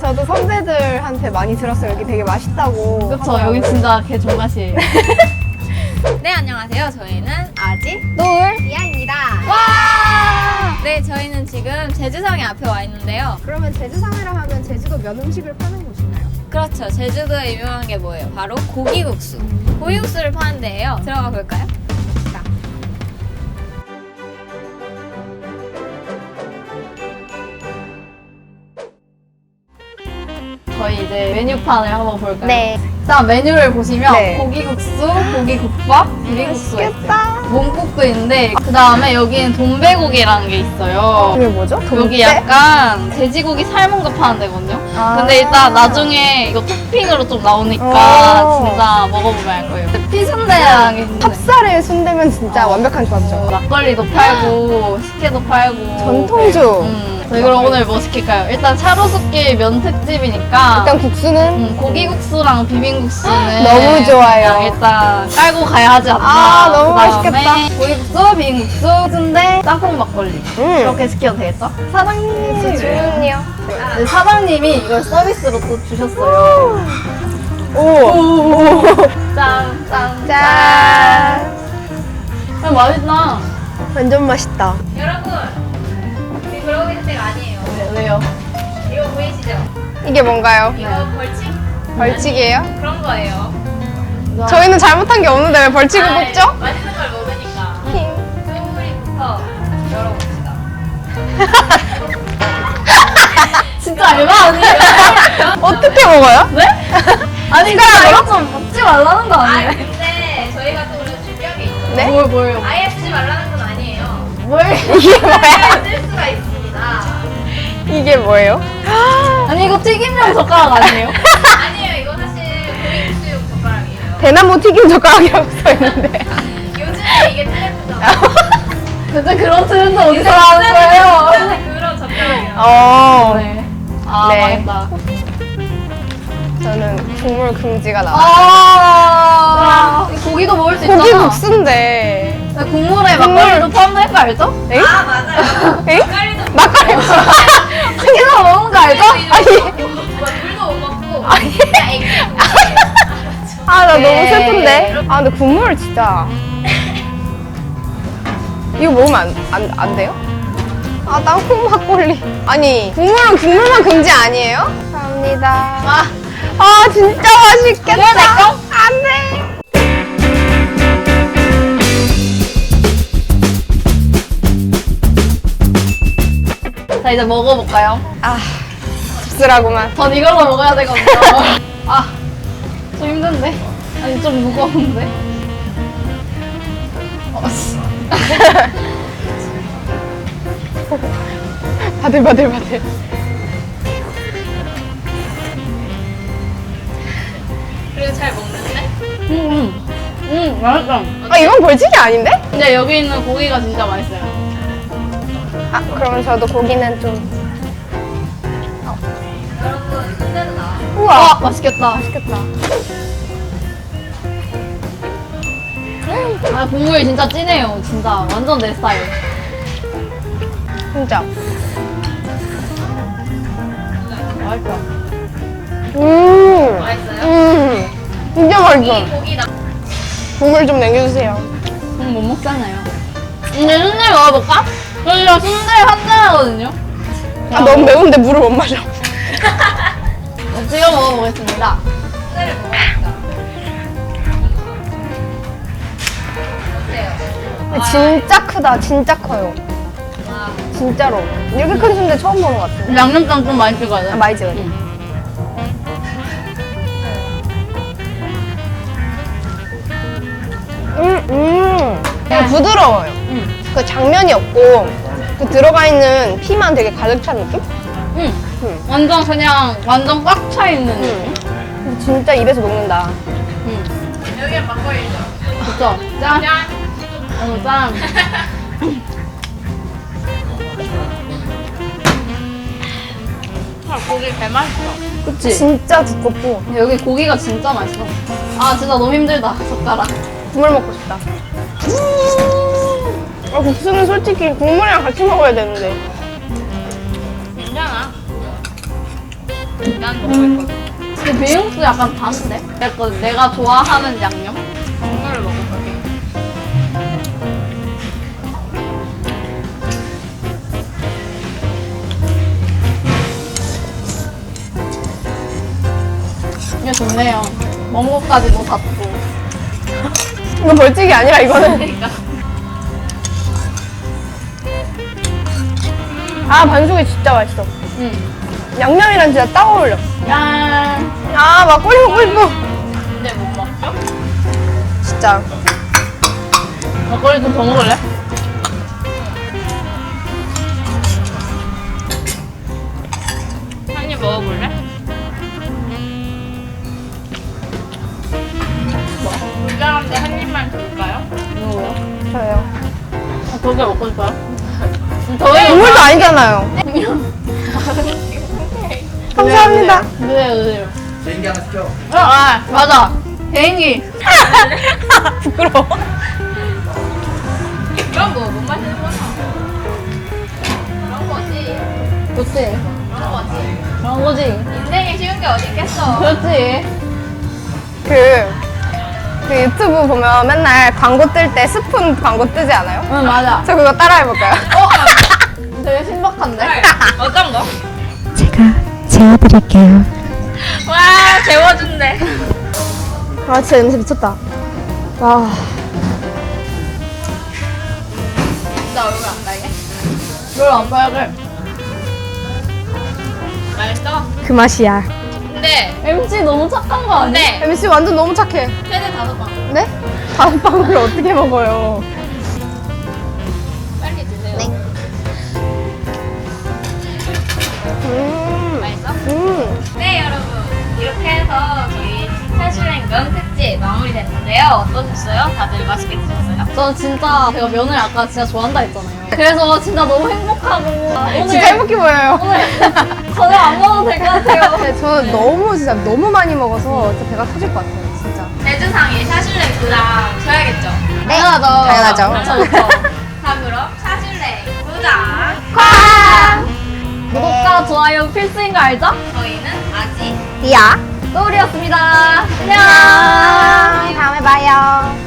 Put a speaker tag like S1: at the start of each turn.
S1: 저도 선배들한테 많이 들었어요. 여기 되게 맛있다고.
S2: 그쵸,
S1: 하더라고요.
S2: 여기 진짜 개 존맛이에요.
S3: 네, 안녕하세요. 저희는 아지.
S1: 노을 이하입니다.
S3: 와! 네, 저희는 지금 제주성에 앞에 와 있는데요.
S1: 그러면 제주상이라 하면 제주도 면 음식을 파는 곳인가요?
S3: 그렇죠. 제주도에 유명한 게 뭐예요? 바로 고기국수. 고기국수를 파는 데예요. 들어가 볼까요?
S2: 저희 이제 메뉴판을 한번 볼까요?
S1: 네.
S2: 일단 메뉴를 보시면
S1: 네.
S2: 고기국수, 고기국밥, 비빔국수가 있어요.
S1: 맛있겠다.
S2: 몸국도 있는데 그 다음에 여기는 돈베고기라는 게 있어요.
S1: 이게 뭐죠?
S2: 여기
S1: 돈배?
S2: 약간 돼지고기 삶은 거 파는 데거든요.
S1: 아.
S2: 근데 일단 나중에 이거 토핑으로 좀 나오니까
S1: 오.
S2: 진짜 먹어보면 알 거예요. 피순대라는 게 있는데
S1: 찹쌀에 순대면 진짜 완벽한 조합이죠.
S2: 막걸리도 팔고 식혜도 팔고
S1: 전통주.
S2: 저희 그럼 오늘 뭐 시킬까요? 일단 차로수길 면 특집이니까
S1: 일단 국수는
S2: 고기국수랑 비빔국수는
S1: 너무 좋아요.
S2: 그냥 일단 깔고 가야 하지 않나.
S1: 아, 너무
S2: 그다음에
S1: 맛있겠다.
S2: 고기국수, 비빔국수, 순대, 짬뽕 막걸리 이렇게 시켜도 되겠죠? 사장님
S1: 주문이요.
S2: 네, 사장님이 이걸 서비스로 또 주셨어요.
S1: 오.
S2: 짠, 짠,
S1: 짠.
S2: 맛있다.
S1: 완전 맛있다.
S3: 여러분, 우리 그러고 있는 데가 아니에요.
S2: 네, 왜요?
S3: 이거 보이시죠?
S1: 이게 뭔가요?
S3: 이거 벌칙?
S1: 벌칙이에요?
S3: 그런 거예요.
S1: 저희는 잘못한 게 없는데 왜 벌칙을
S3: 아,
S1: 뽑죠?
S3: 맛있는 걸 먹으니까.
S1: 힝.
S3: 소우리부터 열어봅시다.
S2: 진짜 알바 아니에요?
S1: 어떻게 먹어요?
S2: 네? 아니, 그냥 이거 좀 먹지 말라는 거
S3: 아,
S2: 아니에요?
S3: 근데 저희가 또 오늘 준비한 게 있죠.
S1: 네?
S2: 뭐예요?
S3: 아예 쓰지 말라는 건 아니에요.
S1: 이게 뭐야?
S3: 쓸 수가 있습니다.
S1: 이게 뭐예요?
S2: 아니, 이거 튀김용 젓가락 아니에요?
S3: 아니에요. 이거 사실 고기국수용 젓가락이에요.
S1: 대나무 튀김 젓가락이라고 써있는데.
S3: 요즘에 이게 트렌드잖아.
S2: 근데 그런 트렌드 어디서 나는 거예요?
S3: 그런 젓가락이에요.
S2: 네. 아,
S1: 네.
S2: 망했다.
S1: 저는 국물 금지가 나와요.
S2: 아, 고기도 먹을 수 있잖아.
S1: 고기 국수인데.
S2: 국물에 막걸리도 포함될 거 알죠?
S1: 에?
S3: 아, 맞아요.
S1: 에?
S3: 막걸리도
S1: 막걸리.
S2: 튀겨서 먹는 거 알죠?
S3: 물도 못 먹고 그냥 액기
S1: 아, 나 너무
S2: 네.
S1: 슬픈데? 아, 근데 국물 진짜. 이거 먹으면 안 돼요? 아, 땅콩 막걸리. 아니, 국물만 금지 아니에요? 감사합니다. 아, 진짜 맛있겠다.
S2: 그래, 내 거?
S1: 안 돼.
S2: 자, 이제 먹어볼까요?
S1: 아, 씁쓸하구만.
S2: 전 이걸로 먹어야 되거든요. 아, 좀 힘든데? 아니, 좀 무거운데? 씨.
S1: 바들바들.
S3: 그래도 잘 먹는데?
S2: 맛있다.
S1: 아, 이건 벌칙이 아닌데?
S2: 근데 여기 있는 고기가 진짜 맛있어요.
S1: 아, 그러면 저도 고기는 좀.
S3: 여러분 순대도 나와.
S1: 우와.
S2: 맛있겠다.
S1: 맛있겠다.
S2: 아, 국물이 진짜 진해요. 진짜 완전 내 스타일.
S1: 진짜.
S2: 맛있다.
S3: 맛있어요?
S1: 진짜 맛있어.
S3: 고기 나.
S1: 국물 좀 남겨주세요.
S2: 못 먹잖아요. 이제 순대 먹어볼까? 저희가 순대 한잔하거든요.
S1: 아, 너무 매운데 물을 못 마셔.
S2: 찍어 먹어보겠습니다.
S3: 순대를 먹으니까. 어때요?
S1: 진짜 크다. 진짜 커요.
S3: 와,
S1: 진짜로. 이렇게 큰 순대 처음 보는 것 같은데.
S2: 양념장 좀 많이 찍어야 돼.
S1: 아, 많이 찍어야 돼.
S2: 응.
S1: 되게 부드러워요. 그 장면이 없고 그 들어가 있는 피만 되게 가득 찬 느낌?
S2: 응.
S1: 응.
S2: 완전 그냥 완전 꽉 차 있는 느낌.
S1: 근데 진짜 입에서 녹는다.
S2: 응.
S3: 여기는 막걸리죠.
S2: 그쵸? 짠.
S3: 짠.
S2: 짠.
S3: 아, 고기 개 맛있어.
S2: 그치?
S1: 진짜 두껍고
S2: 여기 고기가 진짜 맛있어. 아, 진짜 너무 힘들다. 젓가락.
S1: 국물 먹고 싶다. 아, 국수는 솔직히 국물이랑 같이 먹어야 되는데.
S3: 괜찮아. 난 먹고 있거든.
S2: 근데 비빔국수 약간 다른데? 약간 내가 좋아하는 양념?
S3: 국물을 먹어볼게.
S2: 이게 좋네요. 먹은 것까지도 잡고.
S1: 이거 벌칙이 아니라 이거는.
S3: 그러니까.
S1: 아, 반숙이 진짜 맛있어.
S2: 응.
S1: 양념이랑 진짜 딱 어울려.
S2: 야.
S1: 아, 막걸리 먹고 싶어.
S3: 근데 못 먹죠?
S1: 진짜.
S2: 막걸리 좀 더 먹을래?
S3: 한 입 먹어볼래? 불량한데 한 입만 줄까요?
S2: 뭐요?
S1: 저요.
S2: 저게 먹고 싶어요? 저희
S1: 국물도 아니잖아요. 감사합니다.
S2: 네.
S4: 개인기 하나 시켜.
S2: 아, 맞아. 개인기.
S1: 부끄러워.
S3: 그런 거 못 마시는 거야. 그런 거지.
S2: 그렇지.
S3: 그런 거지.
S2: 그런 거지.
S3: 인생에 쉬운 게 어디 있겠어.
S2: 그렇지.
S1: 그 유튜브 보면 맨날 광고 뜰 때 스푼 광고 뜨지 않아요?
S2: 응, 맞아.
S1: 저 그거 따라해볼까요?
S2: 되게 신박한데?
S3: 어떤 거?
S5: 제가 재워드릴게요.
S3: 와, 재워준대.
S1: 아, 진짜 냄새 미쳤다. 와.
S3: 나 얼굴 안 빨개?
S2: 뭘 안 빨개?
S3: 맛있어?
S1: 그 맛이야.
S3: 근데,
S2: MC 너무 착한 거 아니야?
S3: 근데,
S1: MC 완전 너무 착해.
S3: 최대 5방.
S1: 네? 다음 방울 어떻게 먹어요?
S3: 빨리 드세요.
S1: 네.
S3: 맛있어?
S1: 네.
S3: 네, 여러분. 이렇게 해서 저희 사실행면 특집 마무리됐는데요. 어떠셨어요? 다들 맛있게 드셨어요?
S2: 저 진짜 제가 면을 아까 진짜 좋아한다 했잖아요. 그래서 진짜 너무 행복하고 오늘
S1: 진짜 행복해 보여요.
S2: 저녁 안 먹어도 될 것 같아요.
S1: 네, 저는 진짜 너무 많이 먹어서 진짜 배가 터질 것 같아요, 진짜.
S3: 대주상에 샤슐랭 줘야겠죠?
S1: 네,
S2: 당연하죠.
S1: 당연하죠.
S2: 그렇죠, 그렇죠.
S3: 자, 그럼 샤슐랭 구독!
S2: 구독과 좋아요 필수인 거 알죠?
S3: 저희는 아직
S1: 디아.
S2: 또우리였습니다. 안녕.
S1: 다음에 봐요.